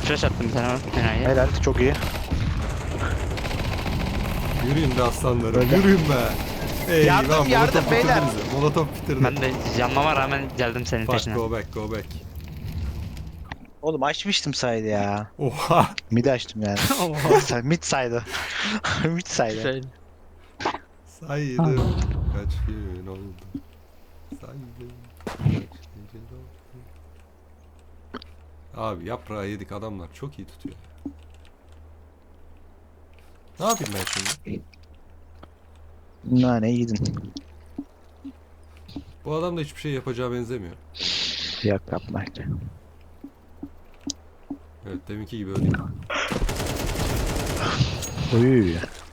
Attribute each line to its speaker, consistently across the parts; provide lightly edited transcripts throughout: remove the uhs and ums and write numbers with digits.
Speaker 1: Flash attım bir tane enayi.
Speaker 2: Helal, çok iyi.
Speaker 3: Yürüyün be aslanlarım.
Speaker 2: Öyle.
Speaker 3: Yürüyün be.
Speaker 2: Yardım,
Speaker 3: Eyvah,
Speaker 2: yardım
Speaker 3: molotof
Speaker 2: beyler.
Speaker 3: bitirdi bizi. Molotof bitirdi.
Speaker 1: Ben de yanmama rağmen geldim senin
Speaker 3: Fuck,
Speaker 1: peşine.
Speaker 3: go back, go back.
Speaker 2: Oğlum açmıştım saydı ya.
Speaker 3: Oha.
Speaker 2: Mid açtım yani. Mid saydı. Mid saydı.
Speaker 1: Şöyle.
Speaker 3: Saydım. Kaç gün oldu. Saydım. Kaç gece oldu. Abi yaprağı yedik, adamlar çok iyi tutuyor. Ne yapayım ben şimdi?
Speaker 2: Nane yedin.
Speaker 3: Bu adam da hiçbir şey yapacağı benzemiyor.
Speaker 2: Yok yapma.
Speaker 3: Evet, deminki gibi öyle.
Speaker 2: Uy.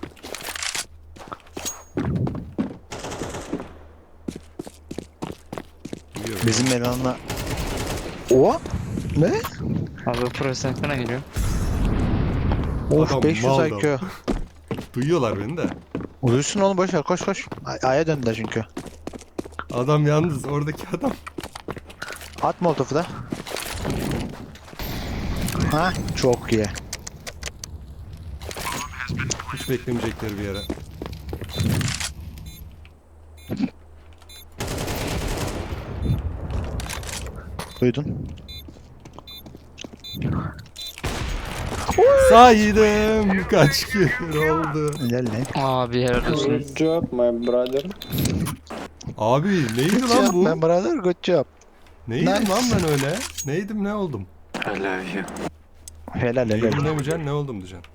Speaker 3: Duyuyor
Speaker 2: Bizim elemanla... O? Ne?
Speaker 1: Abi profesyonel falan geliyor.
Speaker 2: Of,
Speaker 3: Adam
Speaker 2: 500
Speaker 3: mal
Speaker 2: IQ.
Speaker 3: Duyuyorlar beni de.
Speaker 2: Uyusun oğlum, boş ver, koş koş. A'ya döndüler çünkü.
Speaker 3: Adam yalnız, oradaki adam.
Speaker 2: At molotofu da. Ha, çok iyi.
Speaker 3: Hiç beklemeyecekleri bir yere.
Speaker 2: Duydun.
Speaker 3: Saydım. Kaç gün oldu.
Speaker 2: Helal lan.
Speaker 1: Abi helal olsun.
Speaker 4: Good job, my brother.
Speaker 3: Abi neydi
Speaker 2: Good
Speaker 3: lan
Speaker 2: job,
Speaker 3: bu?
Speaker 2: man brother, good job.
Speaker 3: Neydim
Speaker 2: Nice.
Speaker 3: lan ben öyle? Neydim, ne oldum?
Speaker 2: Helal helal.
Speaker 3: Neydim demeyeceksin, ne oldum diyeceksin.